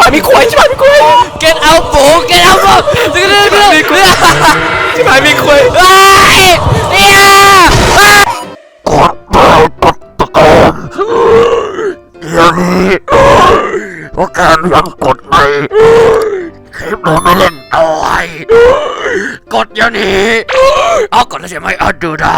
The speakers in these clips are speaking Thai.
มีควายชิบหายมีควาย get out ปู get out ปูชิบหายมีควายอย่างนี้เพราะการยังกดไม่คลิปเราไม่เล่นต่อยกดอย่างนี้เอากดแล้วใช่ไหมเอาดูได้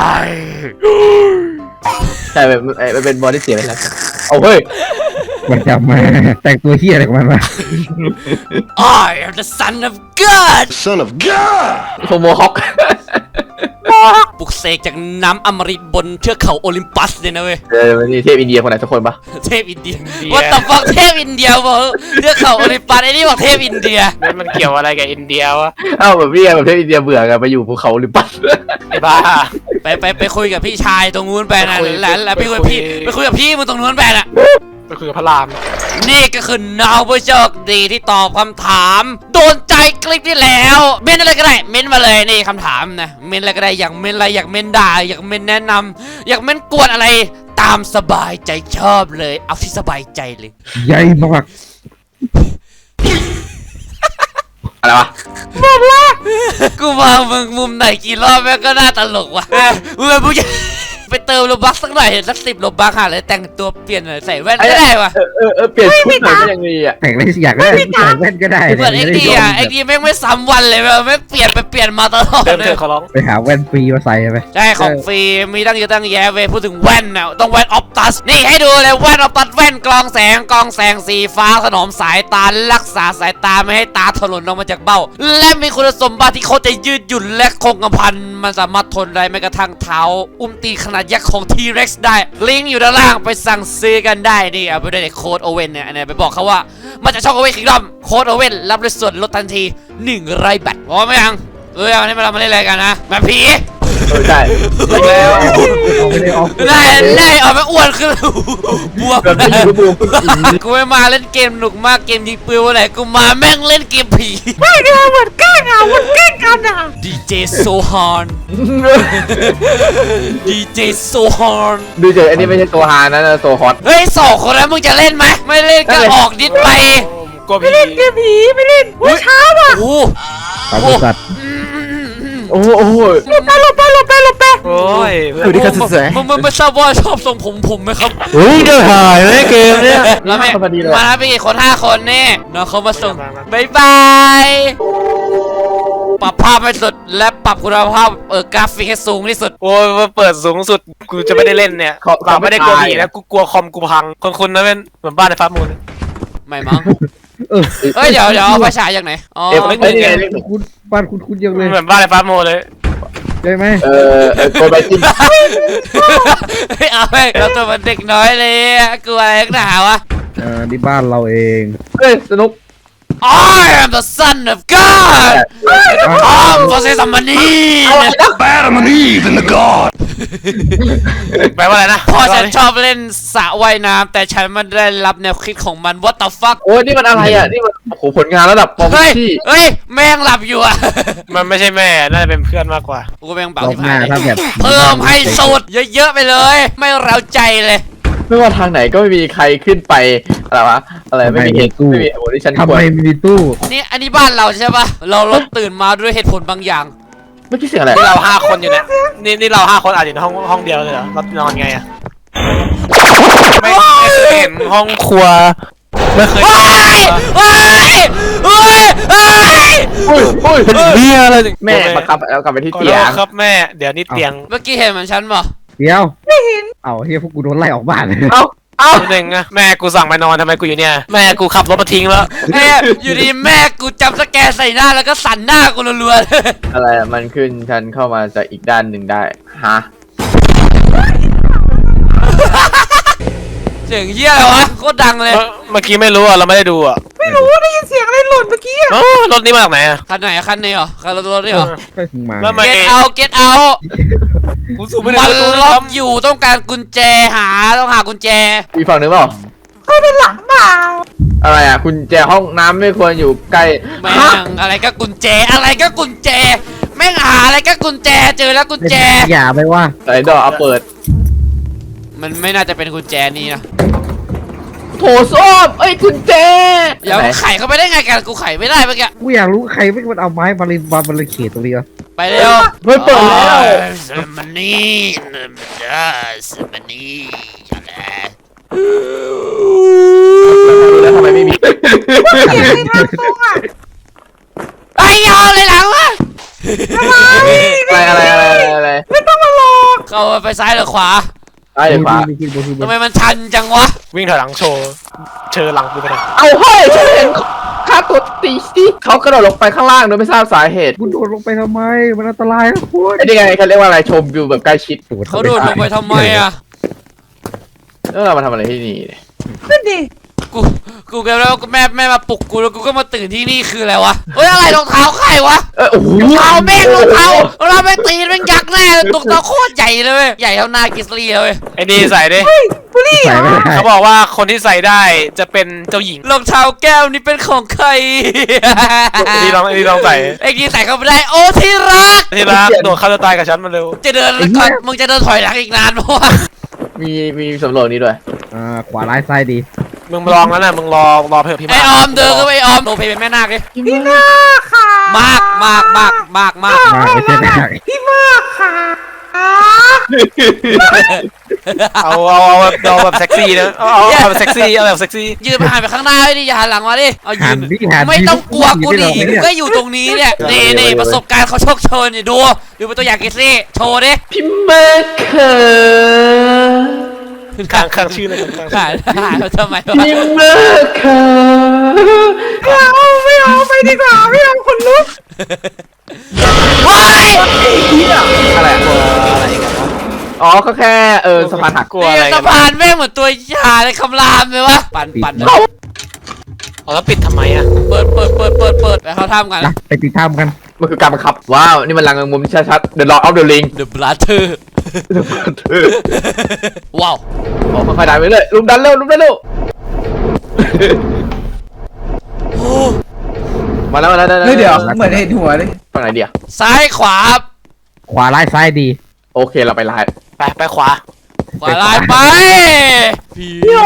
ใช่มันเป็นบอลที่เสียไปแล้วเอาเฮ้ยมันจำมาแต่งตัวเฮี้ยอะไรของมันวะ I am the son of God โฮโมฮอกปลุกเสกจากน้ำอมฤตบนเทือกเขาโอลิมปัสเลยนะเว้ยมันนี่เทพอินเดียคนไหนสักคนปะเทพอินเดียว่าแต่ฟังเทพอินเดียบอกเทือกเขาโอลิมปัสไอ้นี่บอกเทพอินเดียมันเกี่ยวอะไรกับอินเดียวะอ้าวแบบเทพอินเดียเบื่อกันไปอยู่ภูเขาหรือปัสไอ้บ้าไปคุยกับพี่ชายตรงนู้นไปนะแล้วไปคุยกับพี่มึงตรงนู้นไปน่ะไปคุยกับพระรามนี่ก็คือน้องผู้โชคดีที่ตอบคำถามโดนใจคลิปที่แล้วเม้นอะไรก็ได้เม้นมาเลยนี่คำถามนะเม้นอะไรก็ได้อยากเม้นอะไรอยากเม้นด่าอยากเม้นแนะนำอยากเม้นกวนอะไรตามสบายใจชอบเลยเอาที่สบายใจเลยใหญ่มากอะไรวะกูมองมึงมุมไหนกี่รอบแม่งก็น่าตลกว่ะมึงเป็นผู้ใหญ่ไปเติมโลบักสักหน่อยสัก10 โลบักหาเลยแต่งตัวเปลี่ยนหน่อยใส่แว่นก็ได้ว่ะเปลี่ยนชุดหน่อยก็ยังมีอ่ะแต่งอะไรสักอย่างก็ได้ใส่แว่นก็ได้เหมือนไอ้ดีอ่ะไอ้ดีแม่งไม่ซ้ำวันเลยไม่เปลี่ยนไปเปลี่ยนมาตลอดเดินเลเถยอะขอร้องไปหาแว่นฟรีมาใส่ไปใช่ของฟรีมีตั้งเยอะตั้งแยะเว้ยพูดถึงแว่นน่ะต้องแว่นออปตัสนี่ให้ดูเลยแว่นออปตัสแว่นกรองแสงสีฟ้าถนอมสายตารักษาสายตาไม่ให้ตาถลนออกมาจากเบ้าและมีคุณสมบัติที่เขาจะยืดหยุ่นและคงกระพันมันสามารถทนได้แม้กระทั่งเท้าตีขนาดยักษ์ของ T-Rex ได้ลิงก์อยู่ด้านล่างไปสั่งซื้อกันได้นี่เอาไปด้วยโค้ดโอเว่นเนี่ยไปบอกเขาว่ามาจากช่องโอเว่นคิงดอมโค้ดโอเว่นรับด้วยส่วนลดทันที100 บาทพอไหมยังวันนี้เรามาเล่นอะไรกันนะแบบผีใช่แล้วเอาไม่ได้ออกได้ออกมาอ้วนขึ้นบวมแบบนี้บูมกูไม่มาเล่นเกมหนุกมากเกมยิงปืนวันไหนกูมาแม่งเล่นเกมผีไม่ได้เหมือนแกล้งกันอ่ะดีเจโซฮอนดีเจโซฮอนดูเจออันนี้ไม่ใช่ตัวฮานะโซฮอตเฮ้ย2 คนแล้วมึงจะเล่นไหมไม่เล่นก็ออกดิสไปกลัวผีไม่เล่นช้าว่ะโอ้ตามบริษัทโอ้โหโอ้ยสวัสดีครับสวยมึงไม่ทราบว่าชอบทรงผมไหมครับเฮ้ยเดือดหายเลยเกมเนี้ยแล้วแม่พอดีเลยมาไปกี่คน5 คนนี่น้องเขามาส่งบายบาย ปรับภาพให้สุดและปรับคุณภาพกราฟิกให้สูงที่สุดโอ้ยมาเปิดสูงสุดกูจะไม่ได้เล่นเนี่ยเราไม่ได้กลัวผีนะกูกลัวคอมกูพังคนนั้นเป็นเหมือนบ้านในฟ้ามูลไม่มั้งเออเฮ้ยเดี๋ยวเอาไปฉายจากไหนอ๋อไม่เงินคุณบ้านคุณยังเลยเหมือนบ้านในฟ้ามูลเลยได้ไหมโกลไปจิ้มเฮ้ยเอาไปเราตัวมันเด็กน้อยเลยกลัวอะไรนักหนาวะนี่บ้านเราเองเฮ้ยสนุก I am the son of God Come for some money Adam and Eve in the God แปลว่าอะไรนะพ่อฉันชอบเล่นสระว่ายน้ำแต่ฉันไม่ได้รับแนวคิดของมัน What the fuck โอ้ยนี่มันอะไรอ่ะนี่มันโอ้โหผลงานระดับปอมเฮ้ยที่เฮ้ยแม่งหลับอยู่อะมันไม่ใช่แม่น่าจะเป็นเพื่อนมากกว่ากูแม่งเบารอบที่หน้าผ่านถ้าแบบเพิ่มให้สุดเยอะๆไปเลย ไม่เร้าใจเลยไม่ว่าทางไหนก็ไม่มีใครขึ้นไปอะไรวะอะไรไม่มีเหตุไม่มีโอ้ที่ฉันทำควไมรมีตู้นี่อันนี้บ้านเราใช่ปะเราตื่นมาด้วยเหตุผลบางอย่างเมื่อกี้เสียงอะไรนี่เรา5 คนอยู่เนี่ยนี่เรา5 คนอาจจะอยู่ในห้องเดียวเลยเหรอเรานอนไงอะไม่เคยเห็นห้องครัวไม่เคยเฮ้ยเฮ้ยเฮ้ยเฮ้ยอุ้ยเบี้ยอะไรแม่บังคับแล้วกลับไปที่ขอเตีโทยษงครับแม่เดี๋ยวนี้เตียงเมื่อกี้เห็นเหมือนฉันปะเดี๋ยวไม่เห็นเอ้าเฮียพวกกูโดนไล่ออกบ้านเอ้าหนึ่งอะแม่กูสั่งไปนอนทำไมกูอยู่เนี่ยแม่กูขับรถมาทิ้งแล้วเอ้ยอยู่ดีแม่กูจำสแกนใส่หน้าแล้วก็สั่นหน้ากูรัวๆเลยอะไรอะมันขึ้นฉันเข้ามาจากอีกด้านหนึ่งได้ฮะเสียงเหี้ยอะไรวะโคตรดังเลยเมื่อกี้ไม่รู้อะเราไม่ได้ดูอะไม่รู้ได้ยินเสียงอะไรหล่นเมื่อกี้อ๋อรถนี้มาจากไหนอะคันไหนอะคันนี้เหรอคันรถนี่เหรอไปถึงมาแล้วทำไม get out get out กูสูบไม่มัได้นล็อกอยู่ต้องการกุญแจต้องหากุญแจอีกฝั่งหนึ่งเปล่าอะไรอ่ะคุณแจห้องน้ำไม่ควรอยู่ใกล้แม่งอะไรก็กุญแจอะไรก็กุญแจแม่งหาอะไรก็กุญแจเจอแล้วกุญแจอย่าไปว่าไหนดอกเอาเปิดมันไม่น่าจะเป็นกุญแจนี้นะโถส้วมเอ้ยกุญแจเดี๋ยวไหนไขเข้าไปได้ไงกันกูไขไม่ได้เมื่อกี้กูอยากรู้ใครไม่มันเอาไม้มาเขียนตรงนี้วะไปเร็วเฮ้ยเปิดแล้วมันนี่มันนี่อะไรแล้วทำไมไม่มีไอ้ยาวเลยหลังวะอะไรเข้าไปซ้ายหรือขวาไอ้ฟ้าทำไมมันชันจังวะวิ่งถอยหลังโชว์เชิญหลังกูไปเลยเอาเฮ้ยฉันเห็นค่าตัวตีสิเขากระโดดลงไปข้างล่างโดยไม่ทราบสาเหตุกูโดดลงไปทำไมมันอันตรายนะคุณไอ้นี่ไงเขาเรียกว่าอะไรชมวิวแบบใกล้ชิดเขาโดดลงไปทำไมอ่ะแล้วเรามาทำอะไรที่นี่เนี่ยกูแกแล้วแม่มาปลุกกูแล้วกูก็มาตื่นที่นี่คืออะไรวะเฮ้ยอะไรรองเท้าใครวะโอ้โหรองเท้าแม่งรองเท้าแม่งตีนแม่งยักษ์แน่เลยรองเท้าโคตรใหญ่เลยเว้ยใหญ่เท่าหน้ากิสลีเลยไอ้นี่ใส่ดิใส่ไม่ได้เขาบอกว่าคนที่ใส่ได้จะเป็นเจ้าหญิงรองเท้าแก้วนี่เป็นของใครไอ้นี่ลองใส่ไอ้กีใส่เข้าไปได้โอ้ที่รักที่รักโดดฆ่าตัวตายกับฉันมาเร็วจะเดินก่อนมึงจะเดินถอยหลังอีกนานเพราะว่ามีสำรวจนี้ด้วยขวาร้ายซ้ายดีมึงลองแล้วนะมึงรอเพื่อพี่ไอออมเดินก็ไปออมโนเพเป็นแม่นาคเลยพี่นาค่ะมากมากไม่ใช่ได้เอาแบบเซ็กซี่นะเอาแบบเซ็กซี่เอาแบบเซ็กซี่ยืนไปหันไปข้างหน้าไอ้ดิอย่าหันหลังมาดิเอายืหันนดิหันไม่ต้องกลัวกูดิเนี่ยกูก็อยู่ตรงนี้เนี่ยนี่ประสบการณ์เขาโชคโชนเนี่ยดูเป็นตัวอย่างกิสลี่โชว์ดิพี่เมอร์เคอร์ข้างชื่อเลยข้างหายทำไมวะพี่เมอร์เคอร์ไม่เอาไปดีกว่าไม่เอาคนลุกว้ายอะไรอ๋อก็แค่สะพานหักกลัวอะไรสะพานแม่งเหมือนตัวยาในคำรามเลยวะปั่นเอาแล้วปิดทำไมอ่ะเปิดไปเขาทำกันนะไปติดตามกันมันคือการบังคับว้าวนี่มันลังมุมชัดๆ The Lord of the Ring The Brother ว้าวโอ้ค่อยๆดันไปเลยลุมดันเร็วมาแล้วได้เฮ้ยเดี๋ยวเหมือนเห็นหัวเลยฝั่งไหนเดียวซ้ายขวาขวาร้ายซ้ายดีโอเคเราไปไลน์ไปขวาขวาลายไปพี่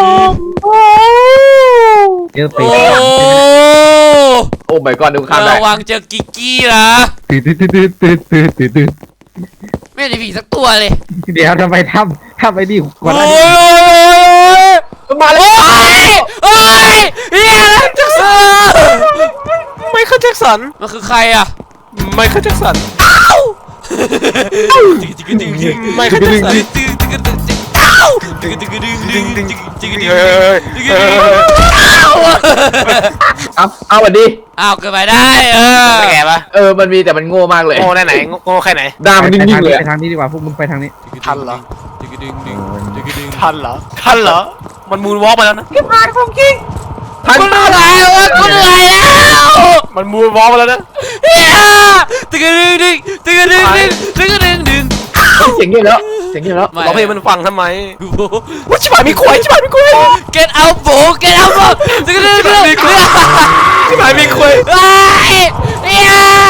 เดี๋ยวไปโอ้โอ้ my god ดูข้ามได้ระวังเจอกิกกี้นะตื่นไม่ได้ผีสักตัวเลยเดี๋ยวทำไมทำไอ้นี่ก่อนโอ้หน้านี้ยมาแล้วโอ้ยเฮียไมเคิลแจ็คสันมันคือใครอ่ะไมเคิลแจ็คสันไม่คือดึงเอาวันดีอ้าวเกิดไปได้แกปะมันมีแต่มันโง่มากเลยโง่ไหนโง่แค่ไหนด่ามันนิ่งๆเลยไปทางนี้ดีกว่าพวกมึงไปทางนี้ทันเหรอ มันมูนวอล์กมาแล้วนะทันกูเหนื่อยแล้วกูเหนื่อยแล้วมันมูนวอล์กมาแล้วนะเฮียตึกดึงเเสียงเงียบแล้วร้องเพลงมันฟังทำไมว่าชิบหายมีควาย Get out bro Get out bro ตึกดึงชิบหายมีควายเฮีย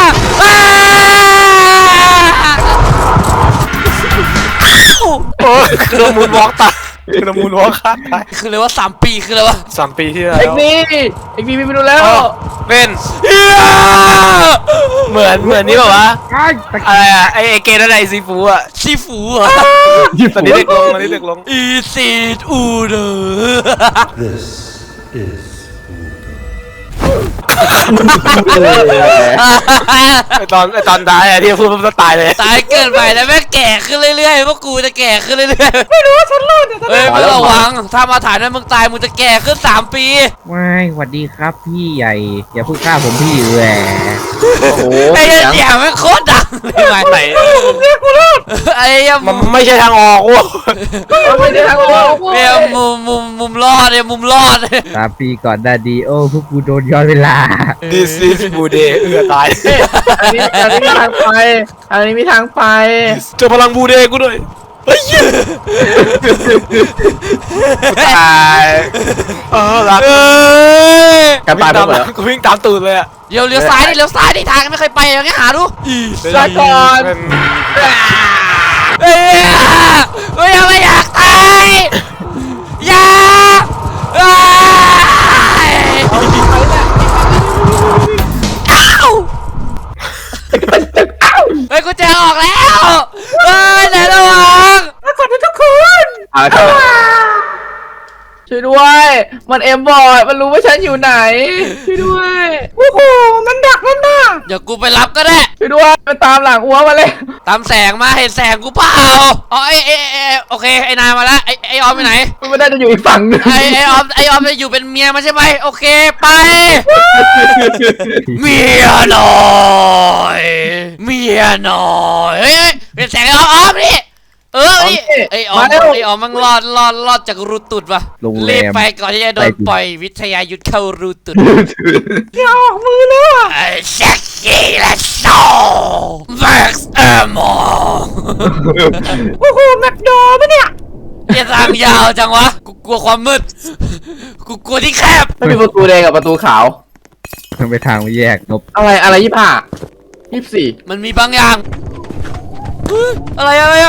โอ้คือมูนวอล์กตายคือมูนวอล์กฆ่าตายคือเลยว่า3 ปีคือเลยว่า 3 ปีที่แล้วเอ็กนี่ไม่รู้แล้วเป็นเฮียเหมือนนี่แบบว่าไอ้ตะอะไรอะไอเกนอะไรซีฟูอะชีฟูเหรอตอนนี้เด็กลงอีซีดอูเดอไอตอนตายอะที่พูดมันตายเลยตายเกินไปแล้วแม่งแก่ขึ้นเรื่อยๆพวกกูจะแก่ขึ้นเรื่อยๆไม่รู้ว่าฉันรอดเฮ้ยไม่ระวังถ้ามาถ่ายนั้นมึงตายมึงจะแก่ขึ้น3 ปีไม่สวัสดีครับพี่ใหญ่อย่าพูดฆ่าผมพี่แหวโอ้โหไอ้เหี้ยแม่งโคตรดังเลยไหนไอ้เหี้ยมันไม่ใช่ทางออกว่ะไม่ได้ทางออกเนี่ยมุมรอดเนี่ยมุมรอด 3 ปีก่อนได้ดีโอ้พวกกูโดนย้อนเวลา This is Bude ตายอันนี้มีทางไปเจอพลังบูเดกูด้วยเฮ้ยตายรักการตายไปหมดแล้วกูวิ่งตามตูดเลยอะเลี้ยวซ้ายดิทางไม่เคยไปอย่างเงี้ยหาดูลาก่อนเฮ้ยไม่อยากตายอย่าช่วยด้วยมันเอ็มบอยมันรู้ว่าฉันอยู่ไหนช่วยด้วยโอ้โหมันดักนั่นน่ะเดี๋ยวกูไปรับก็ได้ช่วยด้วยมันตามหลังอัวมาเลยตามแสงมาเห็นแสงกูเปล่าอ๋อโอเคไอ้นายมาแล้วไอ้ออมไปไหนมันไม่ได้จะอยู่อีกฝั่งนึงไอ้ออมจะอยู่เป็นเมียมันใช่ไหมโอเคไปเมียน้อยเมียน้อยเฮ้ยเป็นแสงไอ้ออมนี่นี่ไอ้ออมมันรอดจากรูตุดว่ะรีบไปก่อนที่จะโดนปล่อยวิทยายุทธเข้ารูตุดอย่าออกมือเลยว่ะเซ็กซี่และโซ่แม็กซ์เอร์มอโอ้โหแม็กโดปะเนี่ยอย่าทางยาวจังวะกูกลัวความมืดกูกลัวที่แคบไม่มีประตูแดงกับประตูขาวมันไปทางไม่แยกนบอะไร25 24 มันมีบางอย่างเฮ้ยอะไรอะเฮ้ย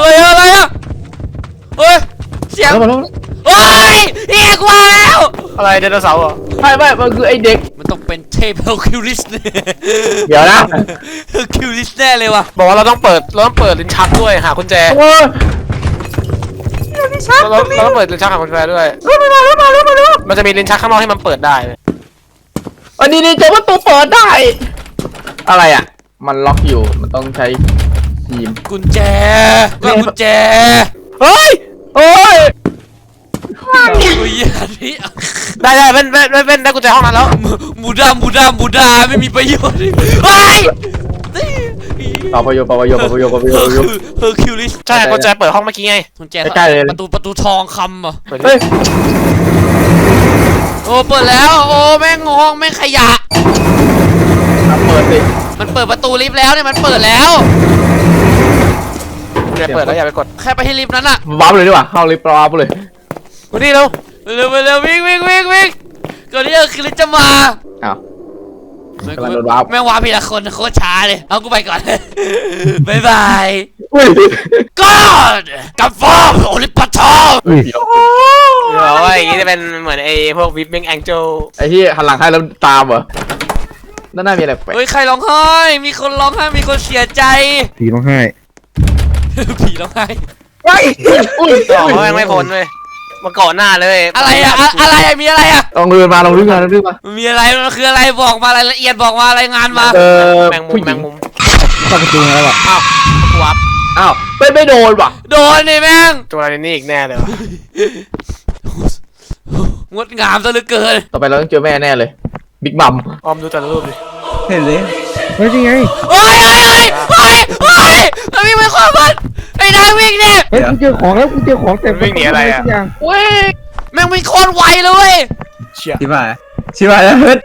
เสียงแล้วมาแล้วเฮ้ยเอียกว่าแล้วอะไรไดโนเสาร์เหรอไม่มันคือไอเด็กมันต้องเป็นเทพเฮอร์คิวลิสเนี่ยเดี๋ยวนะเฮอร์คิวลิสแน่เลยว่ะบอกว่าเราต้องเปิดลิ้นชักด้วยหากุญแจโอ้ยเราต้องเปิดลิ้นชักหากุญแจด้วยมาแล้วมันจะมีลิ้นชักข้างนอกให้มันเปิดได้เลยอันนี้เจอประตูเปิดได้ อะไรอ่ะ มันล็อกอยู่ มันต้องใช้ทีมกุญแจกุญแจเฮ้ย โอ้ยกุญแจนี่ได้เป็นได้กุญแจห้องนั้นแล้วบูดาไม่มีประโยชน์เฮ้ยปะโยเฮอร์คิวลิสใช่กุญแจเปิดห้องเมื่อกี้ไงกุญแจใกล้ๆเลยประตูทองคำเหรอเปิดเฮ้ยโอ้เปิดแล้วโอ้แม่งห้องแม่งขยะเปิดสิมันเปิดประตูลิฟต์แล้วเนี่ยมันเปิดแล้วกุญแจเปิดแล้วอย่าไปกดแค่ไปที่ลิฟต์นั้นอะวาร์ปเลยดีกว่า เข้าลิฟต์วาร์ปเลยวันนี้เราเร็ววิ่งก่อนที่จะคือลิฟต์จะมาอ้าวแม่งกำลังโดนวาร์ปแม่งวาร์ปทีละคนโคตรช้าเลยเอากูไปก่อน บ๊ายบายอุ้ย God กับฟอร์มโอลิมปัสทองเดี๋ยวเดี๋ยวว่าอย่างนี้จะเป็นเหมือนไอ้พวกวิปปิ้งแองเจิลไอ้ที่หันหลังให้แล้วตามเหรอด้านหน้ามีอะไรแปลกเฮ้ยใครร้องไห้มีคนร้องไห้มีคนเสียใจผีร้องไห้ผีร้องไห้เฮ้ยอุ้ยต่อเขายังไม่พ้นเลยมาก่อนหน้าเลยอะไรอะมีอะไรอะลองเดินมามันมีอะไรมันคืออะไรบอกมารายละเอียดบอกมารายงานมาแมงมุผู้มหแมญิงงมุมเข้าประตูมาแล้วอ่ะอ้าววับอ้าวไม่โดนว่ะโดนนี่แม่งตัวอะไรนี่อีกแน่เลยวะงดงามซะเหลือเกินต่อไปเราต้องเจอแม่แน่เลย บิ๊กบัมออมดูแต่ละรูปดิเห็นเลยเฮ้ยนี่ไงเฮ้ยมันวิ่งไปขวามันไอ้นายวิ่งเนี่ยเฮ้ยกูเจอของแล้วกูเจอของแต่วิ่งหนีอะไรอะทุกอย่างเว้ยแม่งวิ่งโคตรไวเลยเชี่ยชิบหายแล้วเฮ้ย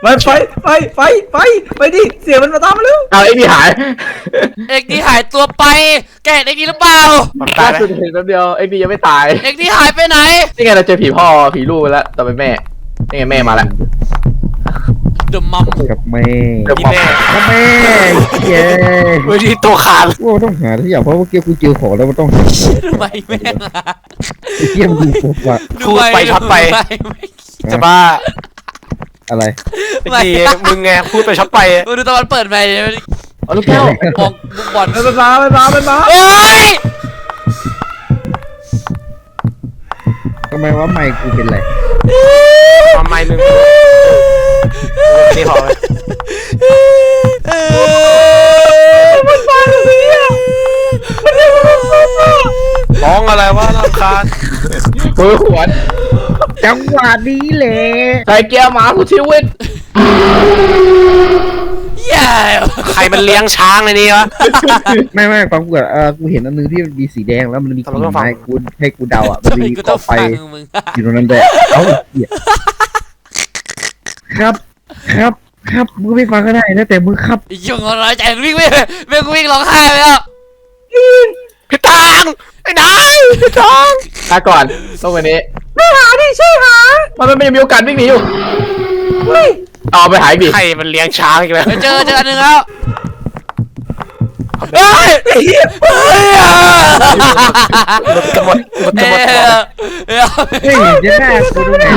ไปดิเสียงมันมาตามมาเร็วเอาไอ้นี่หายเอกนี่หายตัวไปแกเห็นเอกนี่หรือเปล่ามันตาล่ายไหมสุดเห็นแป๊บเดียวไอ้นี่ยังไม่ตายเอกนี่หายไปไหนนี่ไงเราเจอผีพ่อผีลูกไปแล้วต่อไปแม่นี่ไงแม่มาแล้วเดอะมัมกับแม่กินแน่กับแม่เย้เฮ้ยที่ตัวขาดว่าต้องหาทุกอย่างเพราะว่าเมื่อกี้กูเจอของแล้วมันต้องหาของทำไมแม่งอะไอ้เกี้ยมนดูปุ๊บอะพูดไปช็อตไปจะบ้าอะไรไอ้ทีมึงไงพูดไปช็อตไปดูตะวันเปิดไปเอาลูกแก้วมองลูกบอลไปมาโอ้ยทำไมว่าไม่กูเป็นไรทำไมมึงนี่ขอเลยมันมาเลยอ่ะร้องอะไรวะรำคาญมือขวนจังหวะนี้แหละใส่แก้วหมาผู้ชีวิตแย่ใครมันเลี้ยงช้างในนี้วะไม่ความกูกูเห็นอันนึงที่มันมีสีแดงแล้วมันมีกิ่งไม้กูให้กูเดาอ่ะมันทำไมมีกูกต้อองไฟฟังมึงอยู่ตรงนั้นด้วยเอ้าเหี้ยครับมึงไม่ฟังก็ได้นะแต่มึงครับยุ่งอะไรใจวิ่งวิ่งร้องไห้ไปแล้วพี่ทางไอ้นายพี่ทางลาก่อนต้องวันนี้ไม่หาดิช่วยหามันไม่มีโอกาสวิ่งหนีอยู่เฮ้ยเอาไปหายดิใครมันเลี้ยงช้างอีกแล้วเจออันหนึ่งแล้วเฮ้ยหมดเฮ้ยเฮ้ยเดี๋ยวหน้ากูดูหน่อย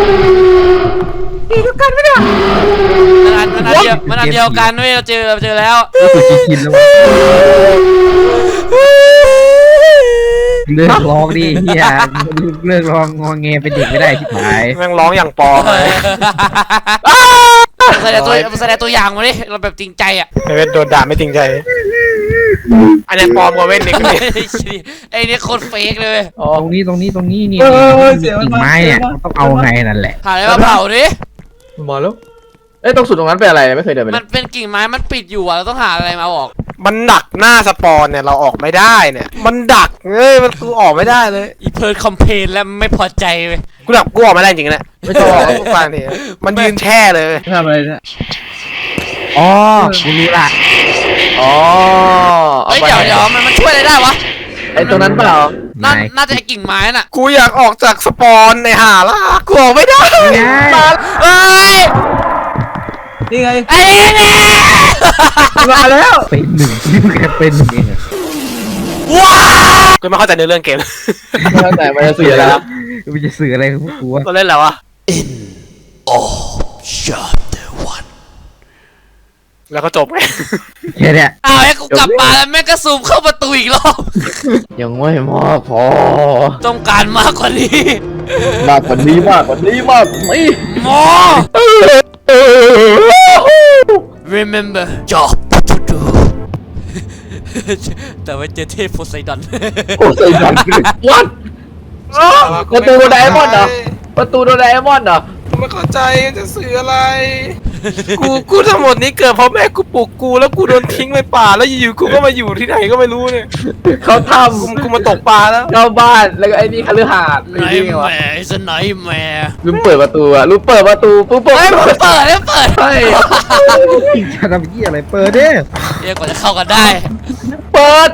มันอันเดียวกันเว้ยเราเจอแล้วรู้สึกชินๆแล้ววะเลิกร้องดิเฮียเลิกร้องงอแงเป็นเด็กไม่ได้ชิบหายแม่งร้องอย่างปลอมเลยแสดงตัวอย่างมาดิเราแบบจริงใจอ่ะไอ้เว้นโดนด่าไม่จริงใจ อันนี้ปลอมกว่าเว้นอีกเลยไอ้นี่โคตรเฟกเลยอ๋อตรงนี้นี่เสียงมันกิ่งมาไม้เนี่ยต้องเอาไงนั่นแหละหาอะไรมาเผาดิมาแล้วเอ้ยตรงสุดตรงนั้นเป็นอะไรไม่เคยเดินไปมันเป็นกิ่งไม้มันปิดอยู่อ่ะเราต้องหาอะไรมาออกมันดักหน้าสปอนเนี่ยเราออกไม่ได้เนี่ย มันดักมันกูออกไม่ได้เลยอีเพิร์ดคอมเพลนแล้วไม่พอใจเว้ยกูดักกูออกไม่ได้จริงๆนะไม่ต้องออกทุกฟังทีมันยืนแช่เลยทำอะไรเนี่ยอ๋อกูรู้ละอ๋อเฮ้ยเดี๋ยวมันช่วยอะไรได้วะไอ้ตรงนั้นเปล่าน่าจะไอ้กิ่งไม้น่ะกูอยากออกจากสปอนในหาล่ะกูออกไม่ได้เฮ้ยนี่ไงไอ้นี่มาแล้วเป็นหนึ่งนี่มึงแค่เป็นหนึ่งเองอะว้าวกูไม่เข้าใจในเรื่องเกมตั้งแต่มันจะเสียแล้วมันจะสื่ออะไรกับพวกกูวะเราเล่นแล้ววะ Chapter 1 แล้วก็จบไงแค่เนี้ยอ้าวไอ้กูกลับมาแล้วแม่งก็ซูมเข้าประตูอีกรอบยังไม่มากพอต้องการมากกว่านี้มากกว่านี้มากกว่านี้มากกว่านี้ more remember job to do แต่ว่าเจอเทพโพไซดอนโอ้ใส่ดันวัดประตูโดราเอมอนเหรอประตูโดราเอมอนเหรอกูไม่เข้าใจจะสื่ออะไร กูทั้งหมดนี้เกิดเพราะแม่กูปลุกกูแล้วกูโดนทิ้งไปป่าแล้วอยู่ๆกูก็มาอยู่ที่ไหนก็ไม่รู้เนี่ยเขาทกูมาตกปลาแล้วำเข้าบ้านแล้วก็ไอ้นี่คฤหาสน์ไหนนี่ไงวะแม่สไนแม่ลืมเปิดประตูอะลืมเปิดประตูปุ๊บปุ๊บเฮ้ยมันเปิดแล้วเปิดใช่จะทำยี่อะไรเปิดดิเรียกกว่าจะเข้ากันได้เปิด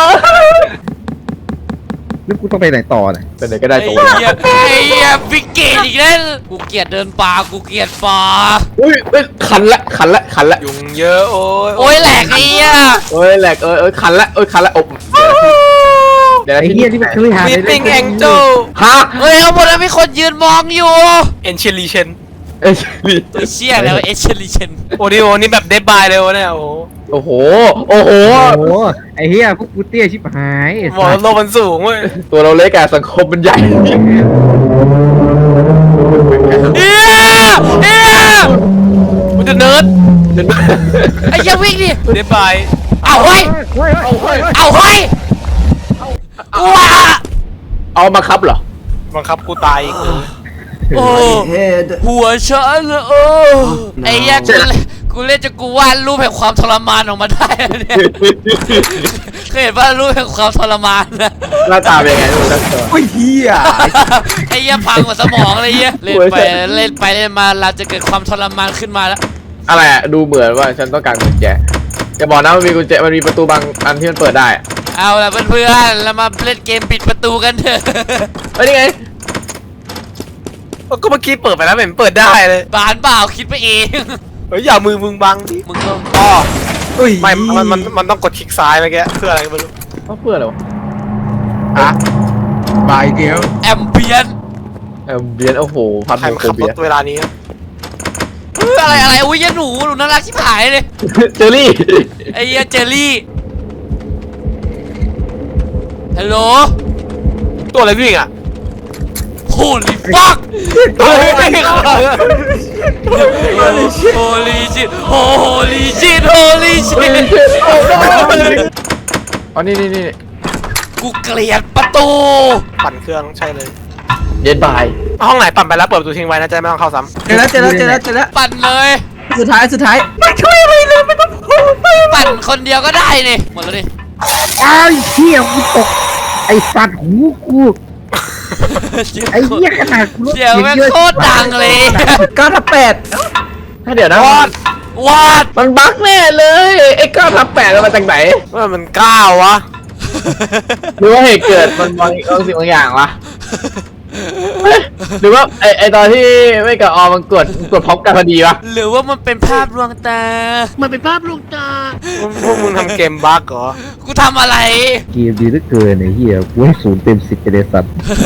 แล้วกูต้องไปไหนต่อเนี่ยเป็นไหนก็ได้ไอ้ตัวเหี้ยบิ๊กเกตอีกแล้วกูเกลียดเดินป่ากูเกลียดป่าอุ้ยขันละยุงเยอะโอ้ยโอ้ยแหลกไอ้เหี้ยโอ้ยแหลกขันละอบเดี๋ยวไอ้เหี้ยที่มันเคยหามีปิ้งแองเจิลฮะเฮ้ยเอาหมดแล้วมีคนยืนมองอยู่เอ็นเชลีเชนเอ้ยตัวเชี่ยแล้วเอชลิเชนโอ้ดิโอนี่แบบเดบายเลยวะเนี่ยโอ้โหโอ้โหโอ้โหไอ้เหี้ยพวกกูเตี้ยชิบหายไอ้บอกสัสโลกมันสูงเว้ยตัวเราเล็กอะสังคมมันใหญ่เฮียมันจะเนิร์ดไอ้เหี้ยวิ่งดิเดบายเอาเฮ้ยเอาเฮ้ยเอาเฮ้ยว้าเอามาครับเหรอบังคับกูตายอีกโอ้หัวฉันโอ้ไอ้เหี้ยกูเล่นจะกูวาดรูปแห่งความทรมานออกมาได้เนี่ยเคยเห็นว่ารูปแห่งความทรมานนะหน้าตาเป็นยังไงดูนะโอ้ยเฮียไอ้เหี้ยพังหมดสมองเลยเหี้ยเล่นไปเล่นมาเราจะเกิดความทรมานขึ้นมาแล้วอะไรอะดูเหมือนว่าฉันต้องการกุญแจจะบอกนะมันมีกุญแจมันมีประตูบางอันที่มันเปิดได้อะเอาล่ะเพื่อนๆเรามาเล่นเกมปิดประตูกันเถอะเฮ้ยนี่ไงก็เมื่อกี้เปิดไปแล้วเหม็นเปิดได้เลยบานเปล่าคิดไปเองเฮ้ยอย่ามือมึงบังดิมึงก็อ๋ออุ้ยไม่มันต้องกดคลิกซ้ายเมื่อกี้เพื่ออะไรก็ไม่รู้เขาเพื่ออะไรวะอะบายเดียวแอมเบียนเบียนโอ้โหพันใครโมมาโคขับรเบียถเวลานี้อะไรอุ้ยยหนูน่ารักชิบหายเลยเจอรี่ไอ้เหี้ยเจอรี่ฮัลโหลตัวอะไรวิ่งอ่ะ Holy fuck เฮ้ย Holy shit Holy shit Holy shit อ๋อนี่กูเกลียดประตูปั่นเครื่องใช่เลยเย็นบายห้องไหนปั่นไปแล้วเปิดประตูทิ้งไว้นะจะไม่ต้องเข้าซ้เจอแล้วปั่นเลยสุดท้ายไม่ช่วยอะไรเลยไม่ต้องพูดปั่นคนเดียวก็ได้นี่หมดแล้วดิไอ้เหี้ยกูตกไอ้สัตว์หูกูไอ้เหี้ยขนาดกูรถเสียงแม่งโคตรดังเลย 9/8 ถ้าเดี๋ยวนะวาดมันบั๊กแน่เลยไอ้9/8มันมาจากไหนำว่ามันก้าววะหรือว่าเหตุเกิดมันบางสิ่งบางอย่างวะหรือว่าไอตอนที่ไม่กับออมันกดพร้อมกันพอดีวะหรือว่ามันเป็นภาพลวงตาพวกมึงทำเกมบั๊กเหรอกูทำอะไรเกมดีเหลือเกินไอ้เหี้ยกูให้0 เต็ม 10ไปเลยสัตว์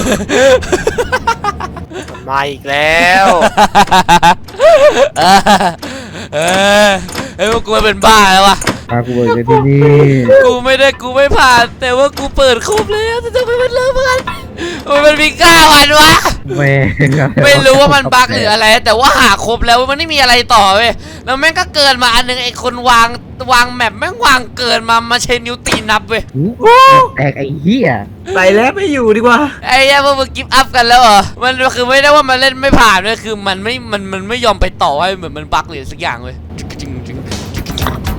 มันมาอีกแล้วเออพวกกูเป็นบ้าแล้ววะพากูไปเลยที่นี่กูไม่ผ่าน แต่ว่ากูเปิดครบแล้วแต่ทำไมมันเริ่มกันมันมี9 อันวะแม่งไม่รู้ว่ามันบั๊กหรืออะไร แต่ว่าหาครบแล้วมันไม่มีอะไรต่อเว้ยแล้วแม่งก็เกินมาอันนึงไอ้คนวางแมปแม่งวางเกินมาใช้นิ้วตีนับเว้ยแตกไอ้เหี้ยไปแล้วไม่อยู่ดีกว่าไอ้ย่าพวกมึงกิฟต์อัพกันแล้วเหรอมันคือไม่ได้ว่ามันเล่นไม่ผ่านเลยคือมันไม่ยอมไปต่อให้เหมือนมันบั๊กหรือสักอย่างเว้ย